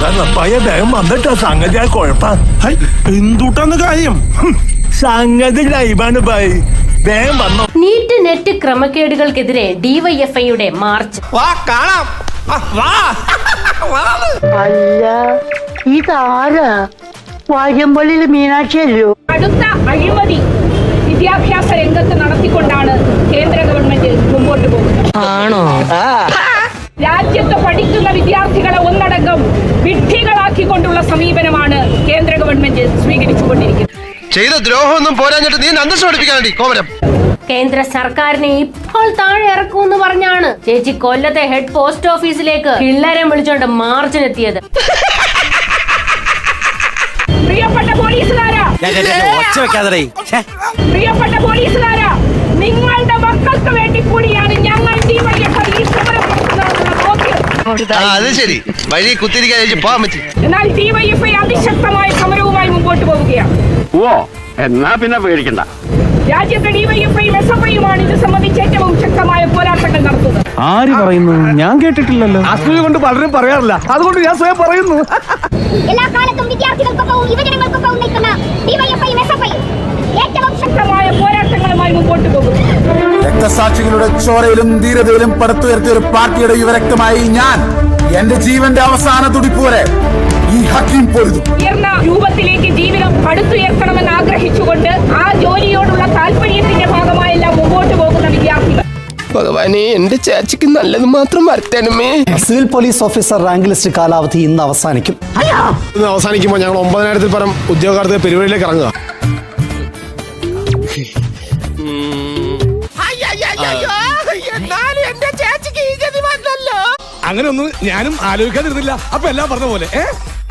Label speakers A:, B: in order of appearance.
A: പയ്യ വേഗം വന്നിട്ടാ സംഗതി ആ കുഴപ്പം.
B: എന്തുട്ടാന്ന് കാര്യം?
A: സംഗതി ലൈവാണ് ബൈ, വേഗം വന്നോ.
C: നീറ്റ് നെറ്റ് ക്രമക്കേടുകൾക്കെതിരെ ഡിവൈഎഫ്ഐയുടെ മാർച്ച്.
D: അല്ല ഇതാരാ? വാര്യമ്പള്ളിയിൽ മീനാക്ഷിയല്ലോ.
E: അടുത്ത അഴിമതി വിദ്യാഭ്യാസ രംഗത്ത് നടത്തിക്കൊണ്ടാണ് കേന്ദ്ര ഗവൺമെന്റ് മുമ്പോട്ട് പോകുന്നത്.
D: ആണോ?
E: രാജ്യത്ത് പഠിക്കുന്ന വിദ്യാർത്ഥികളെ ഒന്നടങ്കം വിഡ്ഢികളാക്കിക്കൊണ്ടുള്ള സമീപനമാണ് കേന്ദ്ര ഗവൺമെന്റ് സ്വീകരിച്ചുകൊണ്ടിരിക്കുന്നത്.
F: ചെയ്ത ദ്രോഹമൊന്നും പോരാഞ്ഞിട്ട് നീ അന്തസ്സ് പഠിപ്പിക്കാനുണ്ട് കോമരം.
C: കേന്ദ്ര സർക്കാരിനെ ഇപ്പോൾ താഴെ ഇറക്കുമെന്ന് പറഞ്ഞാണ് ചേച്ചി കൊല്ലത്തെ ഹെഡ് പോസ്റ്റ് ഓഫീസിലേക്ക് പിള്ളേരെ വിളിച്ചോണ്ട് മാർച്ചിനെത്തിയത്.
E: പ്രിയപ്പെട്ട പോലീസുകാരാ, പ്രിയപ്പെട്ട പോലീസുകാരാ, നിങ്ങളുടെ മക്കൾക്ക് വേണ്ടി കൂടിയാണ് ഞങ്ങൾ
F: അത് ശരി, വഴി കുത്തിരിക്കാൻ പോകാൻ പറ്റി.
E: എന്നാൽ ഡിവൈഎഫ്ഐ അതിശക്തമായ സമരവുമായി മുമ്പോട്ട് പോവുകയാണ്.
G: ഓ, എന്നാ പിന്നെ പേടിക്കണ്ട.
E: രാജ്യത്തെ ഡിവൈഎഫ്ഐയും എസ്എഫ്ഐയുമാണ് ഇത് സംബന്ധിച്ച് ഏറ്റവും ശക്തമായ പോരാട്ടങ്ങൾ നടത്തുന്നത്.
B: ആര് പറയുന്നു? ഞാൻ കേട്ടിട്ടില്ലല്ലോ. അസൂയ കൊണ്ട് പലരും പറയാറില്ല, അതുകൊണ്ട് ഞാൻ സ്വയം പറയുന്നു.
H: എല്ലാ കാലത്തും വിദ്യാർത്ഥികൾക്കൊപ്പവും യുവജനങ്ങൾക്കൊപ്പവും നിൽക്കുന്ന ഡിവൈഎഫ്ഐയും എസ്എഫ്ഐയും ഏറ്റവും
E: ശക്തമായ പോരാട്ടങ്ങളുമായി മുമ്പോട്ട് പോകും.
I: രക്തസാക്ഷികളുടെ ചോരയിലും ധീരതയിലും പടുത്തുയർത്തിയ ഒരു പാർട്ടിയുടെ യുവരക്തമായി ഞാൻ എന്റെ ജീവന്റെ അവസാന തുടിപ്പ് വരെ ഈ ഹക്കീം പൊരുതും.
E: ഉയർന്ന രൂപത്തിലേക്ക് ജീവിതം പടുത്തുയർത്തണമെന്ന് ആഗ്രഹിച്ചുകൊണ്ട് ആ ജോലിയോടുള്ള താല്പര്യത്തിന്റെ ഭാഗമായെല്ലാം മുമ്പോട്ട് പോകുന്ന വിദ്യാർത്ഥികൾ.
J: ഭഗവാനെ, എന്റെ ചേച്ചിക്ക് നല്ലത് മാത്രം വരുത്തണമേ.
K: Civil police officer rank list കാലാവധി ഇന്ന് അവസാനിക്കും.
B: ഇന്ന് അവസാനിക്കുമ്പോൾ ഞങ്ങൾ 9000-ൽ പരം ഉദ്യോഗാർത്ഥികൾ പെരുവഴിയിലേക്ക് ഇറങ്ങുക. അങ്ങനെ ഒന്നും ഞാനും ആലോചിക്കാതിരുന്നില്ല. അപ്പൊ എല്ലാം പറഞ്ഞ പോലെ